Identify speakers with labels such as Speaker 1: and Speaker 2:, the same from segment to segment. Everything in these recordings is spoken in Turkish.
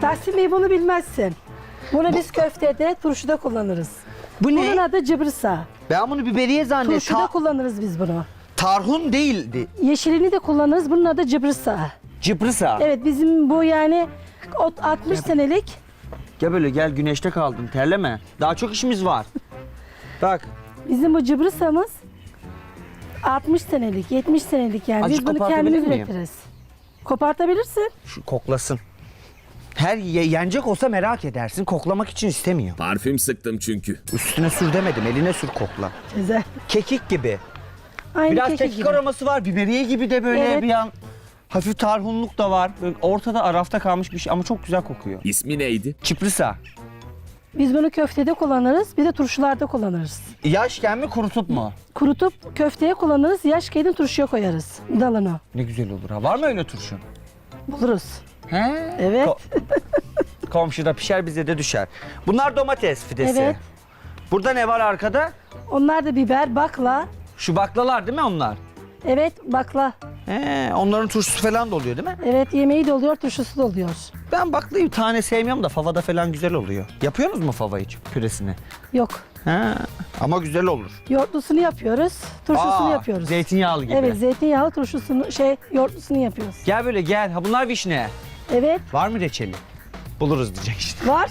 Speaker 1: Tahsin Bey bunu bilmezsin. Bunu biz köftede, turşuda kullanırız.
Speaker 2: Bu
Speaker 1: Bunun
Speaker 2: ne?
Speaker 1: adı cıbrısa.
Speaker 2: Ben bunu biberiye zannettim.
Speaker 1: Turşuda kullanırız biz bunu.
Speaker 2: Tarhun değildi.
Speaker 1: Yeşilini de kullanırız. Bunun adı cıbrısa.
Speaker 2: Cıbrısa.
Speaker 1: Evet bizim bu yani 60 senelik.
Speaker 2: Gel böyle gel, güneşte kaldın, terleme. Daha çok işimiz var. Bak.
Speaker 1: Bizim bu cıbrısamız 60 senelik, 70 senelik yani.
Speaker 2: Azıcık
Speaker 1: Biz bunu
Speaker 2: kopartabilir
Speaker 1: kendimiz
Speaker 2: miyim?
Speaker 1: üretiriz. Kopartabilirsin.
Speaker 2: Şu koklasın. Yenecek olsa merak edersin. Koklamak için istemiyor.
Speaker 3: Parfüm sıktım çünkü.
Speaker 2: Üstüne sür demedim. Eline sür, kokla.
Speaker 1: Güzel.
Speaker 2: Kekik gibi.
Speaker 1: Aynı
Speaker 2: Biraz
Speaker 1: kekik
Speaker 2: kekik
Speaker 1: gibi.
Speaker 2: aroması var. Biberiye gibi de böyle
Speaker 1: Evet.
Speaker 2: bir an. Hafif tarhunluk da var. Böyle ortada arafta kalmış bir şey ama çok güzel kokuyor.
Speaker 3: İsmi neydi?
Speaker 2: Çiprisa.
Speaker 1: Biz bunu köftede kullanırız, bir de turşularda kullanırız.
Speaker 2: Yaşken mi kurutup mu?
Speaker 1: Kurutup köfteye kullanırız, yaş kedin turşuya koyarız dalını.
Speaker 2: Ne güzel olur ha. Var mı öyle turşu?
Speaker 1: Buluruz.
Speaker 2: He?
Speaker 1: Evet.
Speaker 2: Komşuda pişer, bize de düşer. Bunlar domates fidesi.
Speaker 1: Evet.
Speaker 2: Burada ne var arkada?
Speaker 1: Onlar da biber, bakla.
Speaker 2: Şu baklalar değil mi onlar?
Speaker 1: Evet, bakla.
Speaker 2: Onların turşusu falan da oluyor değil mi?
Speaker 1: Evet, yemeği de oluyor, turşusu da oluyor.
Speaker 2: Ben baklayı tane sevmiyorum da favada falan güzel oluyor. Yapıyorsunuz mu fava hiç püresini?
Speaker 1: Yok.
Speaker 2: He. Ama güzel olur.
Speaker 1: Yoğurtlusunu yapıyoruz, turşusunu
Speaker 2: Aa,
Speaker 1: yapıyoruz.
Speaker 2: Zeytinyağlı gibi.
Speaker 1: Evet, zeytinyağlı turşusunu, yoğurtlusunu yapıyoruz.
Speaker 2: Gel böyle gel. Ha bunlar vişne.
Speaker 1: Evet,
Speaker 2: Var mı reçeli? Buluruz diyecek işte.
Speaker 1: var.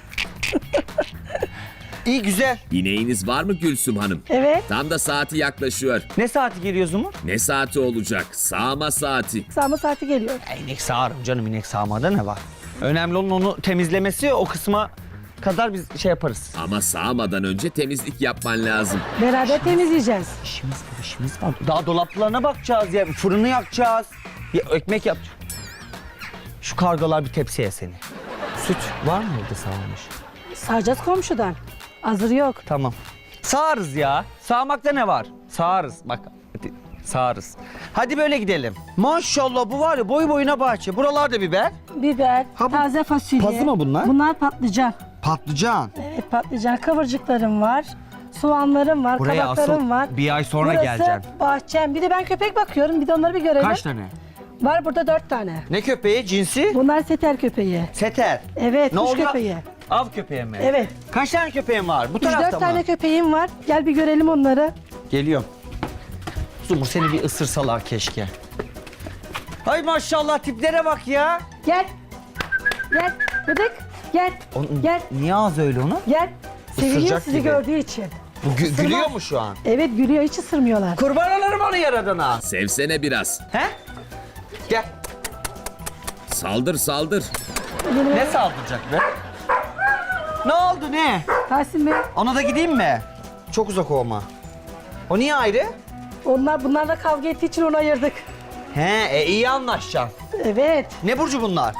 Speaker 2: İyi güzel.
Speaker 3: İneğiniz var mı Gülsüm Hanım?
Speaker 1: Evet,
Speaker 3: Tam da saati yaklaşıyor.
Speaker 2: Ne saati geliyoruz mu?
Speaker 3: Ne saati olacak? Sağma saati.
Speaker 1: sağma saati geliyor.
Speaker 2: İnek sağarım canım, inek sağmada ne var? Önemli olan onu temizlemesi, o kısma kadar biz şey yaparız.
Speaker 3: Ama sağmadan önce temizlik yapman lazım.
Speaker 1: Beraber temizleyeceğiz.
Speaker 2: İşimiz var. Daha dolaplarına bakacağız ya, fırını yakacağız. Ya, ekmek yap. Şu kargalar bir tepsiye seni. Süt var mı evde sağlamış?
Speaker 1: Sağacağız komşudan. Hazır yok.
Speaker 2: Tamam. Sağarız ya. Sağmakta ne var? Sağarız. Bak hadi sağarız. Hadi böyle gidelim. Maşallah bu var ya, boy boyuna bahçe. Buralarda biber.
Speaker 1: Biber,
Speaker 2: Ha, bu
Speaker 1: taze fasulye.
Speaker 2: pazı mı bunlar?
Speaker 1: Bunlar patlıcan.
Speaker 2: Patlıcan.
Speaker 1: Evet, patlıcan. Kıvırcıklarım var. Soğanlarım var,
Speaker 2: Buraya
Speaker 1: kabaklarım
Speaker 2: asıl
Speaker 1: var.
Speaker 2: bir ay sonra
Speaker 1: Burası
Speaker 2: geleceğim.
Speaker 1: bahçem. Bir de ben köpek bakıyorum. Bir de onları bir görelim.
Speaker 2: Kaç tane?
Speaker 1: Var burada 4 tane.
Speaker 2: Ne köpeği? Cinsi?
Speaker 1: Bunlar seter köpeği.
Speaker 2: Seter.
Speaker 1: Evet,
Speaker 2: Ne
Speaker 1: kuş
Speaker 2: oluyor?
Speaker 1: köpeği.
Speaker 2: Av köpeği mi?
Speaker 1: Evet.
Speaker 2: Kaç tane köpeğin var? Bu tarafta
Speaker 1: 3-4
Speaker 2: mı?
Speaker 1: tane köpeğim var. Gel bir görelim onları.
Speaker 2: Geliyorum. Zumur seni bir ısırsalar keşke. Ay maşallah tiplere bak ya.
Speaker 1: Gel. Gel. Bıdık. Gel. Gel.
Speaker 2: Niye ağzı öyle onun?
Speaker 1: Gel. Seviniyor
Speaker 2: Isıracak
Speaker 1: sizi
Speaker 2: gibi.
Speaker 1: gördüğü için.
Speaker 2: Bu
Speaker 1: Isırmaz.
Speaker 2: gülüyor mu şu an?
Speaker 1: Evet gülüyor. Hiç ısırmıyorlar.
Speaker 2: Kurban olurum onu yaradana.
Speaker 3: Sevsene biraz.
Speaker 2: He? Gel.
Speaker 3: Saldır saldır.
Speaker 2: Ne saldıracak be? Ne oldu ne?
Speaker 1: Tahsin Bey,
Speaker 2: Ona da gideyim mi? Çok uzak olma. O niye ayrı?
Speaker 1: bunlarla kavga ettiği için onu ayırdık.
Speaker 2: He, iyi anlaşacaksın.
Speaker 1: Evet.
Speaker 2: Ne burcu bunlar?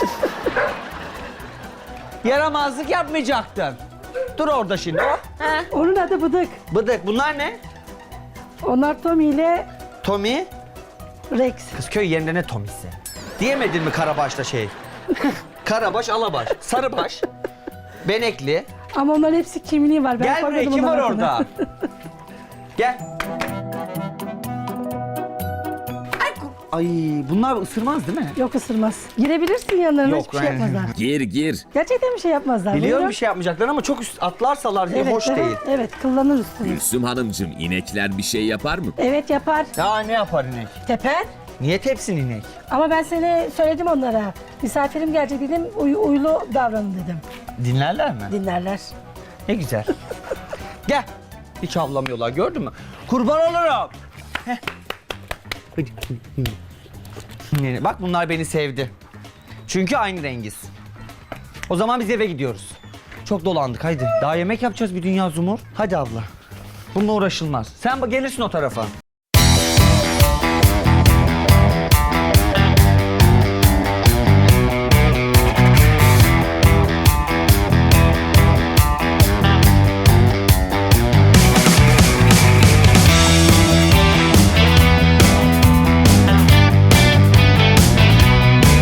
Speaker 2: Yaramazlık yapmayacaktın. Dur orada şimdi. Hop.
Speaker 1: Onun adı Bıdık.
Speaker 2: Bıdık. Bunlar ne?
Speaker 1: Onlar Tommy ile
Speaker 2: Tommy.
Speaker 1: Rex.
Speaker 2: Kız köy yerinde ne Tommy'si? Diyemedin mi Karabaş'ta şey? Karabaş, Alabaş, Sarıbaş, Benekli.
Speaker 1: Ama onların hepsi kimliği var. Ben
Speaker 2: Gel buraya,
Speaker 1: koymadım
Speaker 2: kim var
Speaker 1: onların adını.
Speaker 2: orada? Gel. Ay bunlar ısırmaz değil mi?
Speaker 1: Yok ısırmaz. Girebilirsin yanlarına,
Speaker 2: Yok,
Speaker 1: hiçbir şey
Speaker 2: ben-
Speaker 1: yapmazlar.
Speaker 3: Gir gir.
Speaker 1: Gerçekten bir şey yapmazlar.
Speaker 2: Biliyorum
Speaker 1: Buyurun.
Speaker 2: bir şey yapmayacaklar ama çok atlarsalar diye
Speaker 1: Evet,
Speaker 2: hoş
Speaker 1: evet,
Speaker 2: değil.
Speaker 1: Evet, kıllanır üstüne.
Speaker 3: Gülsüm Hanımcığım, inekler bir şey yapar mı?
Speaker 1: Evet yapar.
Speaker 2: Ya ne yapar inek?
Speaker 1: Teper.
Speaker 2: Niye tepsin inek?
Speaker 1: Ama ben seni söyledim onlara. Misafirim gelecek dedim, uylu davranın dedim.
Speaker 2: Dinlerler mi?
Speaker 1: Dinlerler.
Speaker 2: Ne güzel. Gel. Hiç avlamıyorlar, gördün mü? Kurban olurum. Heh. Bak bunlar beni sevdi. Çünkü aynı rengiz. O zaman biz eve gidiyoruz. Çok dolandık, haydi. Daha yemek yapacağız bir dünya Zumur. Hadi abla. Bununla uğraşılmaz. Sen gelirsin o tarafa.